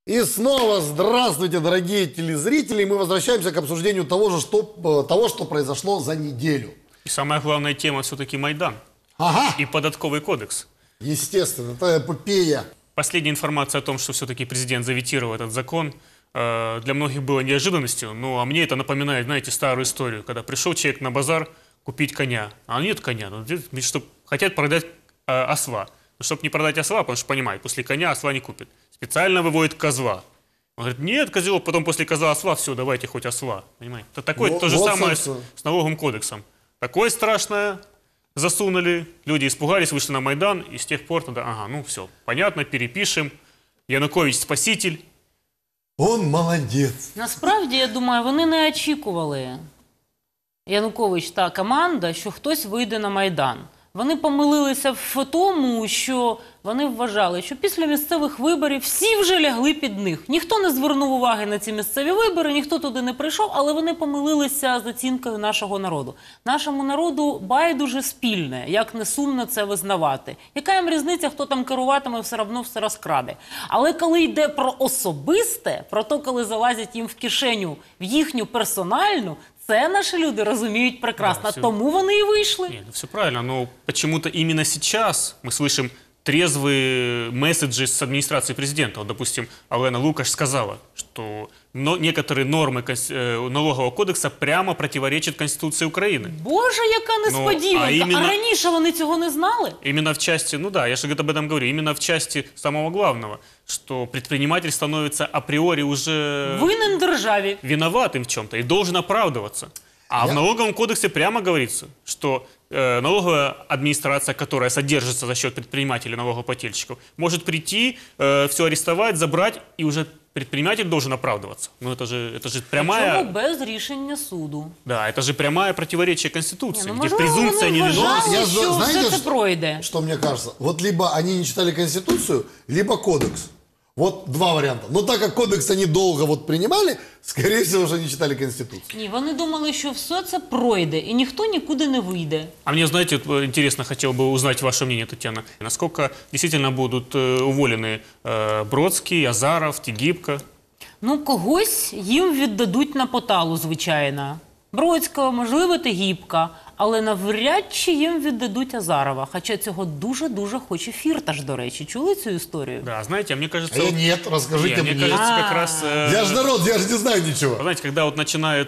И снова здравствуйте, дорогие телезрители. Мы возвращаемся к обсуждению того, что произошло за неделю. И самая главная тема все-таки Майдан. Ага. И податковый кодекс. Естественно, это эпопея. Последняя информация о том, что все-таки президент заветировал этот закон, для многих было неожиданностью. Ну, а мне это напоминает, знаете, старую историю, когда пришел человек на базар купить коня, а нет коня, хотят продать осла. Но чтобы не продать осла, потому что понимает, после коня осла не купит. Специально выводит козла. Он говорит, нет, козел, потом после козла осла, все, давайте хоть осла. Понимаете? Это такое то же самое с налоговым кодексом. Такое страшное засунули, люди испугались, вышли на Майдан, и с тех пор тогда, ага, ну все, понятно, перепишем. Янукович спаситель. Он молодець. Насправді, я думаю, вони не очікували, Янукович та команда, що хтось вийде на Майдан. Вони помилилися в тому, що вони вважали, що після місцевих виборів всі вже лягли під них. Ніхто не звернув уваги на ці місцеві вибори, ніхто туди не прийшов, але вони помилилися з оцінкою нашого народу. Нашому народу байдуже спільне, як не сумно це визнавати. Яка їм різниця, хто там керуватиме, все одно все розкраде. Але коли йде про особисте, про те, коли залазять їм в кишеню, в їхню персональну, це наши люди разумеют прекрасно, да, тому вони и вышли. Нет, все правильно, но почему-то именно сейчас мы слышим трезвые месседжи с администрации президента. Вот, допустим, Олена Лукаш сказала, что некоторые нормы налогового кодекса прямо противоречат Конституции Украины. Боже, яка несподіванка! А раніше вони цього не знали? Именно в части, ну да, я же об этом говорю, именно в части самого главного, что предприниматель становится априори уже винен державе, виноватым в чем-то и должен оправдываться. А в налоговом кодексе прямо говорится, что налоговая администрация, которая содержится за счет предпринимателей, налогоплательщиков, может прийти, все арестовать, забрать, и уже предприниматель должен оправдываться. Ну это же прямая... Причому без рішення суду. Да, это же прямое противоречие Конституции, не, где презумпция невиновности. Знаете, что мне кажется? Вот либо они не читали Конституцию, либо кодекс. Вот два варианта. Но так как кодекс они долго вот принимали, скорее всего, уже не читали Конституцию. Ні, вони думали, що все це пройде, і ніхто нікуди не вийде. А мне, знаете, интересно, хотел бы узнать ваше мнение, Татьяна. Насколько действительно будут уволены Бродский, Азаров, Тігіпка? Ну, когось їм віддадуть на поталу, звичайно. Бродського, можливо, Тігіпка. Але навряд чи їм віддадуть Азарова. Хоча цього дуже-дуже хоче Фірташ, до речі. Чули цю історію? Да, знаете, мне кажется... А я нет, расскажите мне. Мне кажется, как раз... Я же народ, я же не знаю ничего. Знаете, когда вот начинает...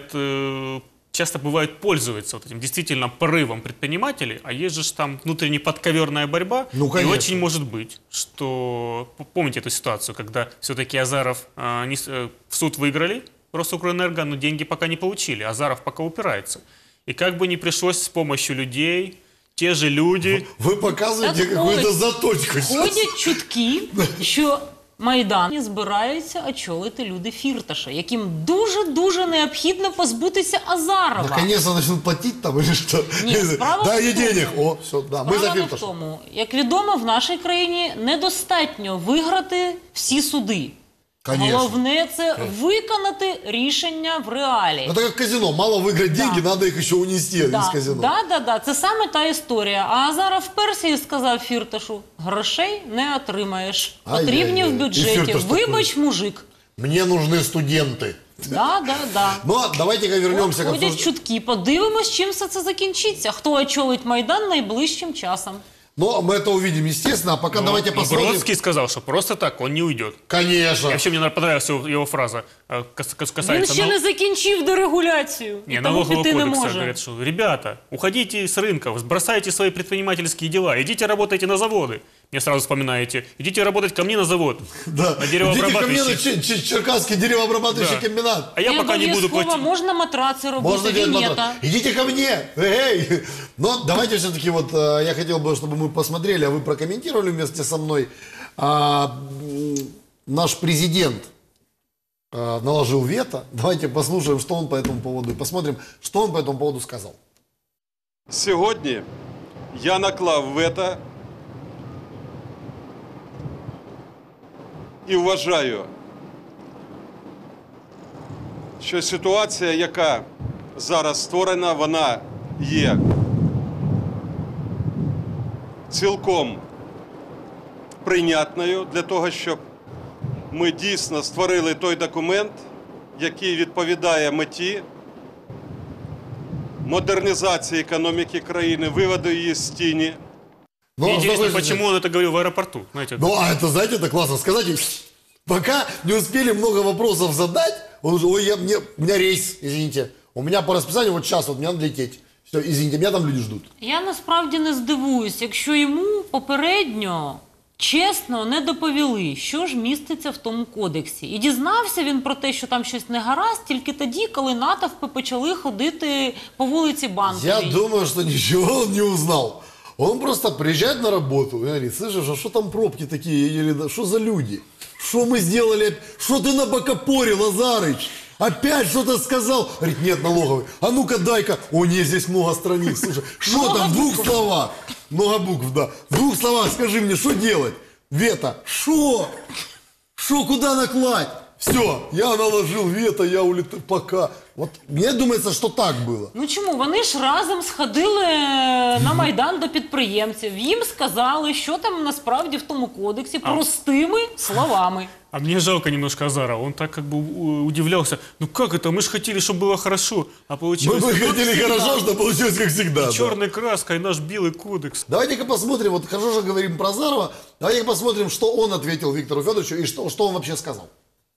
Часто бывает, пользуется вот этим действительно порывом предпринимателей, а есть же там внутренне подковерная борьба. Ну, конечно. И очень может быть, что... Помните эту ситуацию, когда все-таки Азаров в суд выиграли, Росукрэнерго, но деньги пока не получили. Азаров пока упирается. И как бы ни пришлось с помощью людей, те же люди... Вы показываете какую-то заточку. Ходять чутки, що Майдан збираються очолити люди Фірташа, яким дуже-дуже необхідно позбутися Азарова. Наконец-то начнут платить там или что? Ні, справа дай в тому, денег. О, все, да, ми за Фірташа. в тому, як відомо, в нашій країні недостатньо виграти всі суди. Конечно. Головне – це виконати рішення в реалі. Это как казино. Мало выиграть деньги, надо их еще унести из казино. Да. Це саме та історія. А Азаров вперся і сказав Фірташу, грошей не отримаєш. Потрібні в бюджеті. Вибач, мужик. Мне нужны студенты. Да. Но давайте-ка вернемся к Ходять чутки. Подивимось, чим все це закінчиться. Хто очолить Майдан найближчим часом. Но мы это увидим, естественно. А пока давайте посмотрим. Бродский сказал, что просто так он не уйдет. Конечно. И вообще мне понравилась его фраза. Він ще не закінчив дерегуляцію. Не, налогового кодекса говорят, что ребята, уходите с рынков, бросайте свои предпринимательские дела, идите работайте на заводы. Мне сразу вспоминаете, идите работать ко мне на завод. Да. На деревообрабатывающий. Идите ко мне на Черкасский деревообрабатывающий комбинат. А я пока не буду платить. Можна матраци робити, вінета. Идите ко мне. Эй. Но давайте все-таки вот, я хотел бы, чтобы мы посмотрели, а вы прокомментировали вместе со мной. Наш президент наложил вето. Давайте послушаем, что он по этому поводу, и посмотрим, что он по этому поводу сказал. Сьогодні я наклав вето і вважаю, що ситуація, яка зараз створена, вона є цілком прийнятною для того, щоб ми дійсно створили той документ, який відповідає меті модернизации экономики краины, вывода ее из тени. Но, интересно, почему он это говорил в аэропорту? Знаете, ну, а это, знаете, это классно сказать. Пока не успели много вопросов задать, он уже, ой, у меня рейс, извините. У меня по расписанию вот сейчас, вот мне надо лететь. Все, извините, меня там люди ждут. Я насправді не здивуюсь, якщо йому попередньо чесно не доповіли, що ж міститься в тому кодексі. І дізнався він про те, що там щось не гаразд, тільки тоді, коли натовпи почали ходити по вулиці Банковій. Я думаю, что ничего он не узнал. Он просто приезжает на работу и говорит: слышишь, а что там пробки такие? Что за люди? Что мы сделали? Что ты набокопорил, Азарыч? Опять что-то сказал? Говорит: нет, налоговый. А ну-ка дай-ка. О, нет, здесь много страниц. Слушай, что там в двух словах? Много букв, да. В двух словах скажи мне, что делать? Вето. Что? Что, куда накладь? Все, я наложил вето, я улетаю. Пока. Вот мне думается, что так было. Ну чому? Вони ж разом сходили на Майдан до підприємців. Їм сказали, що там насправді в тому кодексі простими словами. А мне жалко немножко Азарова. Он так как бы удивлялся. Ну как это? Мы же хотели, чтобы было хорошо. А получилось... Мы хотели хорошо, что получилось как всегда. Да. Черной краской наш белый кодекс. Давайте-ка посмотрим, вот хорошо же говорим про Азарова, давайте-ка посмотрим, что он ответил Виктору Федоровичу и что он вообще сказал.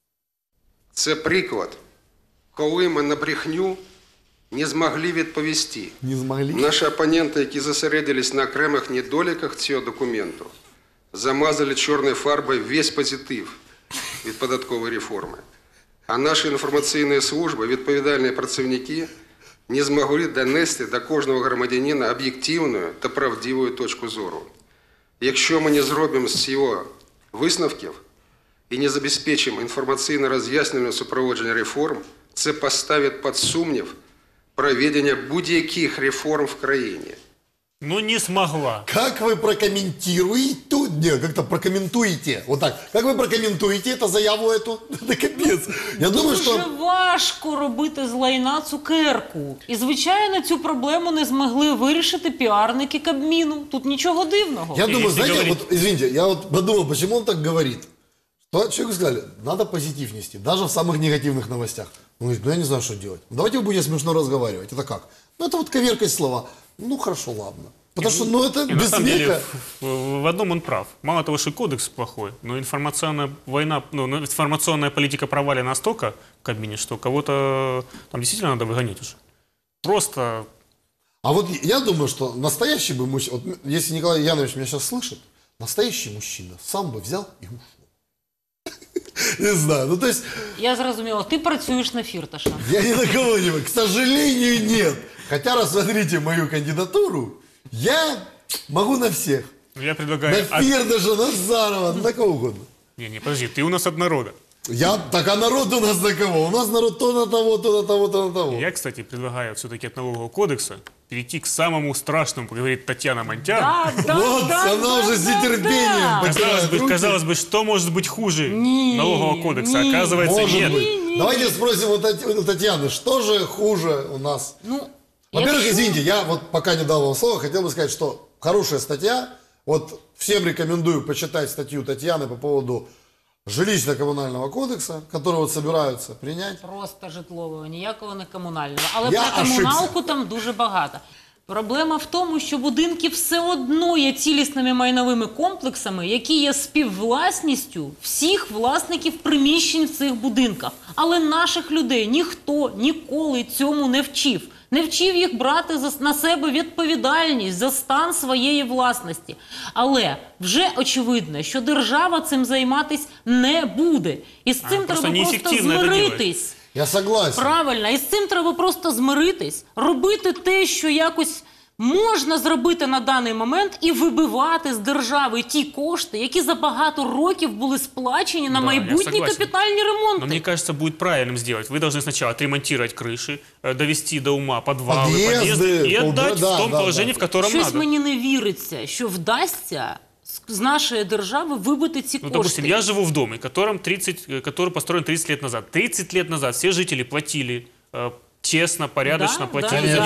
Це приклад, коли ми на брехню не змогли відповісти. Не змогли? Наші опоненти, які зосередились на окремих недоліках цього документу, замазали чорною фарбою весь позитив від податкової реформи. А наші інформаційні служби, відповідальні працівники, не змогли донести до кожного громадянина об'єктивну та правдиву точку зору. Якщо ми не зробимо з цього висновків і не забезпечимо інформаційно-роз'яснювальне супроводження реформ, це поставить під сумнів проведення будь-яких реформ в країні. Ну не смогла. Как вы прокомментируете, нет, как-то прокомментуете, вот так, как вы прокомментуете эту заяву эту? Это капец. Я думаю, Дуже что... важко робити з лайна цукерку. І, звичайно, цю проблему не змогли вирішити піарники Кабміну. Тут нічого дивного. Я думаю, если знаете, говорить- вот, извините, я вот подумал, почему он так говорит. То человеку сказали, надо позитив нести, даже в самых негативных новостях. Он говорит: ну я не знаю, что делать. Давайте вы будете смешно разговаривать. Это как? Ну это вот коверкать слова. Ну хорошо, ладно. Потому что, ну это И на без самом деле, смеха. в одном он прав. Мало того, что кодекс плохой, но информационная война, ну, информационная политика провалена настолько в Кабмине, что кого-то там действительно надо выгонять уже. Просто... А вот я думаю, что настоящий бы мужчина, вот если Николай Янович меня сейчас слышит, настоящий мужчина сам бы взял и ушел. Не знаю, ну то есть... Я зрозуміла, ти працюєш на Фірташа. Я ни на кого не могу. К сожалению, нет. Хотя, рассмотрите мою кандидатуру, я могу на всех. Я предлагаю... На Фирташа, на Азарова, на кого угодно. Не, подожди, ты у нас от народа. Так а народ у нас на кого? У нас народ то на того, то на того, то на того. Я, кстати, предлагаю все-таки от налогового кодекса перейти к самому страшному, как говорит Татьяна Монтян. Вот, она уже с нетерпением потирает руки. Казалось бы, что может быть хуже Не, налогового кодекса? не. Оказывается, Может нет. быть. Давайте спросим у Татьяны, что же хуже у нас? Ну, Во-первых, якщо- извините, я вот пока не дал вам слово, хотел бы сказать, что хорошая статья. Вот всем рекомендую почитать статью Татьяны по поводу жилищно-коммунального кодекса, который вот собираются принять. Просто житлового, ніякого не комунального. Але Я про комуналку ошибся. там дуже багато. Проблема в тому, що будинки все одно є цілісними майновими комплексами, які є співвласністю всіх власників приміщень в цих будинках. Але наших людей ніхто ніколи цьому не вчив. Не вчив їх брати на себе відповідальність за стан своєї власності. Але вже очевидно, що держава цим займатися не буде. І з цим просто треба просто неефективно це змиритись. Я согласен. Правильно, і з цим треба просто змиритись, робити те, що якось можна зробити на даний момент, і вибивати з держави ті кошти, які за багато років були сплачені на Да, я майбутні согласен. капітальні ремонти. Но мне кажется, будет правильным сделать. Вы должны сначала отремонтировать крыши, довести до ума подвалы, Подъезды, подъезды и отдать да, в том да, положении, да. в котором Щось надо. мені не віриться, що вдасться з нашої держави вибити ці Ну, кошти. допустим, я живу в доме, который построен 30 лет назад. 30 лет назад все жители платили честно, порядочно, Да, платили да, за да. него.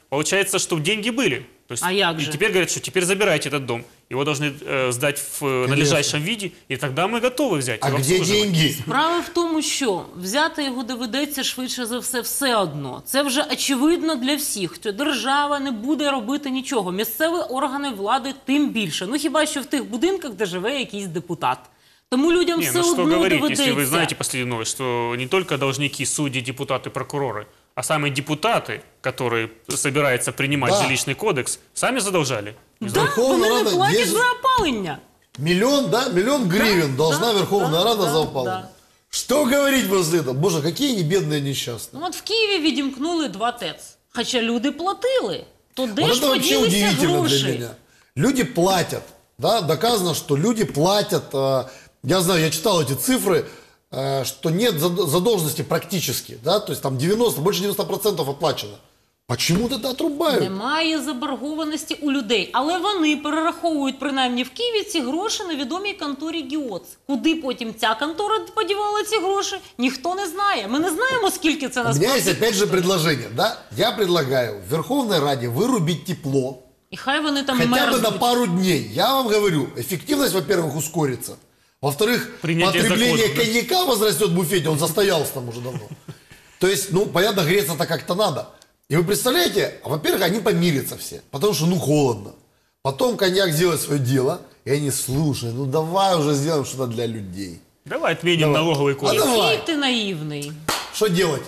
Получается, что деньги были. То есть, А як и же? теперь говорят, что теперь забирайте этот дом. Его должны сдать в надлежащем виде, и тогда мы готовы взять. А его где обслуживать. деньги? Справа в тому, що взяти його доведеться швидше за все одно. Це вже очевидно для всіх, що держава не буде робити нічого. Місцеві органи влади тим більше. Ну хіба що в тих будинках, де живе якийсь депутат. Тому людям Не, все ну что одно говорить, доведеться. если вы знаете последнюю новость, что не только должники, судьи, депутаты, прокуроры, а сами депутаты, которые собираются принимать Да. жилищный кодекс, сами задолжали. Да, Верховна вони не Рада платять є- за опалення. Миллион гривен должна да, Верховная да, Рада да, за опалення. да. Что говорить после этого? Боже, какие они бедные несчастные. Ну от в Києві відімкнули 2 ТЕЦ. Хоча люди платили. То де Вот ж это вообще поділися удивительно гроші? для меня. Люди платят, да, доказано, что люди платят. Я знаю, я читал эти цифры, что нет задолженности практически, да, то есть там больше 90% оплачено. Почему тогда отрубают? Немає заборгованості у людей, але вони перераховують принаймні в Києві ці гроші на відомій конторі ГІОЦ. Куди потім ця контора подівала ці гроші, ніхто не знає. Ми не знаємо, скільки це У меня есть насправді. опять же предложение, да, я предлагаю в Верховной Раде вырубить тепло, І хай вони там хотя бы на мерзнуть. пару дней. Я вам говорю, эффективность, во-первых, ускорится. Во-вторых, Принятие потребление законов, да? коньяка возрастет в буфете, он застоялся там уже давно. То есть, ну, понятно, греться-то как-то надо. И вы представляете, во-первых, они помирятся все, потому что, ну, холодно. Потом коньяк сделает свое дело, и они, слушай, ну, давай уже сделаем что-то для людей. Давай отменим налоговый кодекс. давай. Який ти наївний. Что делать?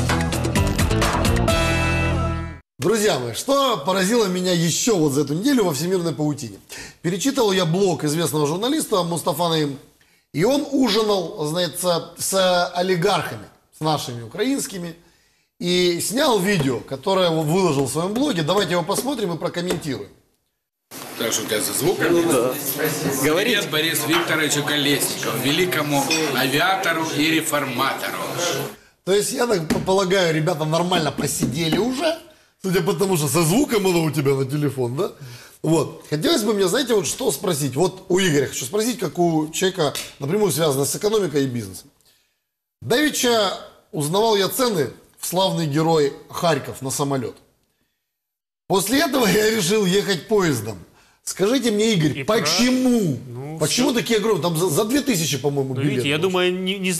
Друзья мои, что поразило меня еще вот за эту неделю во всемирной паутине? Перечитывал я блог известного журналиста Мустафа Наим, и он ужинал, знаете, с олигархами, с нашими украинскими, и снял видео, которое он выложил в своем блоге. Давайте его посмотрим и прокомментируем. Так что у тебя за звуком? Да. Привет Борису Викторовичу Колесникову, великому авиатору и реформатору. То есть, я так полагаю, ребята нормально посидели уже, судя по тому, что со звуком оно у тебя на телефон, да? Вот. Хотелось бы мне, знаете, вот что спросить. Вот у Игоря хочу спросить, как у человека напрямую связано с экономикой и бизнесом. Давеча узнавал я цены в славный герой Харьков на самолет. После этого я решил ехать поездом. Скажите мне, Игорь, И почему? Ну, Почему такие огромные? Там за 2000, по-моему, Ну, билет. видите, я был. думаю, не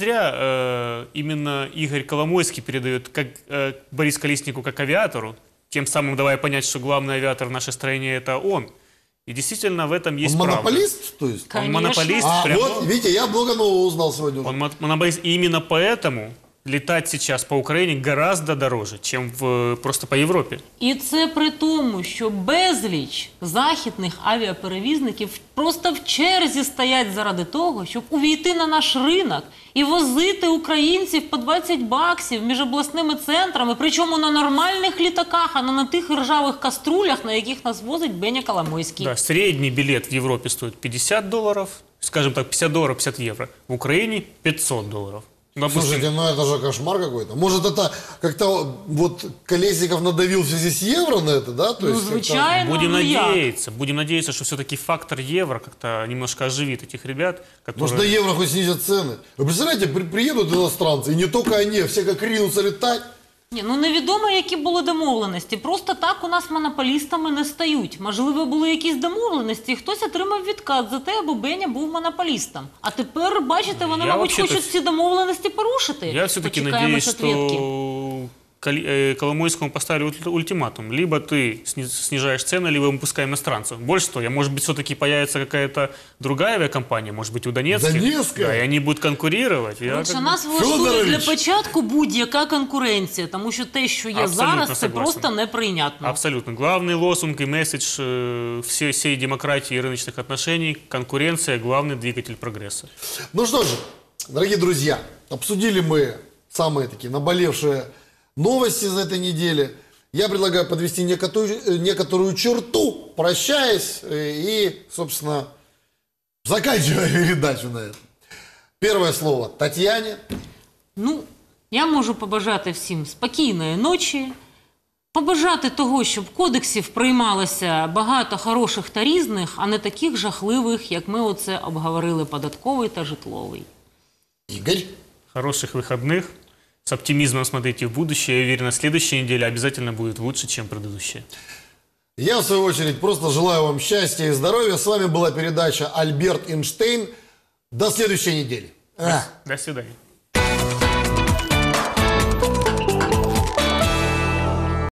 зря именно Игорь Коломойский передает как, Борису Колеснику как авиатору, тем самым давая понять, что главный авиатор в нашей стране это он. И действительно в этом есть Он правда. монополист, то есть? Он Конечно. монополист. А, прям- вот, видите, я много нового узнал сегодня. уже. Он монополист. И именно поэтому летать сейчас по Украине гораздо дороже, чем просто по Европе. І це при тому, що безліч західних авіаперевізників просто в черзі стоять заради того, щоб увійти на наш ринок і возити українців по 20 баксів між обласними центрами, причому на нормальних літаках, а не на тих ржавих каструлях, на яких нас возить Беня Коломойський. Да, средний билет в Европе стоит $50, скажем так, $50, 50 евро. В Украине $500. Допустим, Слушайте, ну это же кошмар какой-то. Может, это как-то вот Колесников надавил в связи с евро на это, да? То Ну, есть как-то- звичайно, будем ну як? надеяться, что все-таки фактор евро как-то немножко оживит этих ребят, которые... Может, на евро хоть снизят цены. Вы представляете, приедут иностранцы, и не только они, а все как ринутся летать. Ні, ну невідомо, які були домовленості. Просто так у нас монополістами не стають. Можливо, були якісь домовленості, і хтось отримав відкат за те, аби Беня був монополістом. А тепер, бачите, вони, Я мабуть, вообще-то- хочуть ці домовленості порушити. Я все-таки Почекаємо надеюсь, ответки. что Коломойскому поставили ультиматум. Либо ты снижаешь цены, либо мы пускаем иностранцев. Больше того, может быть, все-таки появится какая-то другая авиакомпания, может быть, у Донецких. Донецкая? Да, и они будут конкурировать. Я Коротше, как бы- нас влаштує Федорович! для початку будь-яка конкуренція, тому що те, що є Абсолютно зараз, це согласен. просто неприйнятно. Абсолютно. Главный лозунг и месседж всей демократии и рыночных отношений – конкуренция – главный двигатель прогресса. Ну что же, дорогие друзья, обсудили мы самые такие наболевшие новости за этой недели. Я предлагаю подвести некоторую черту, прощаясь и, собственно, заканчивая передачу на этом. Первое слово Татьяне. Ну, я можу побажати всім спокійної ночі, побажати того, щоб кодексів приймалося багато хороших та різних, а не таких жахливих, як ми оце обговорили, податковий та житловий. Игорь. Хороших выходных. с оптимизмом смотрите в будущее. Я уверен, следующая неделя обязательно будет лучше, чем предыдущая. Я, в свою очередь, просто желаю вам счастья и здоровья. С вами была передача «Альберт Эйнштейн». До следующей недели. До свидания.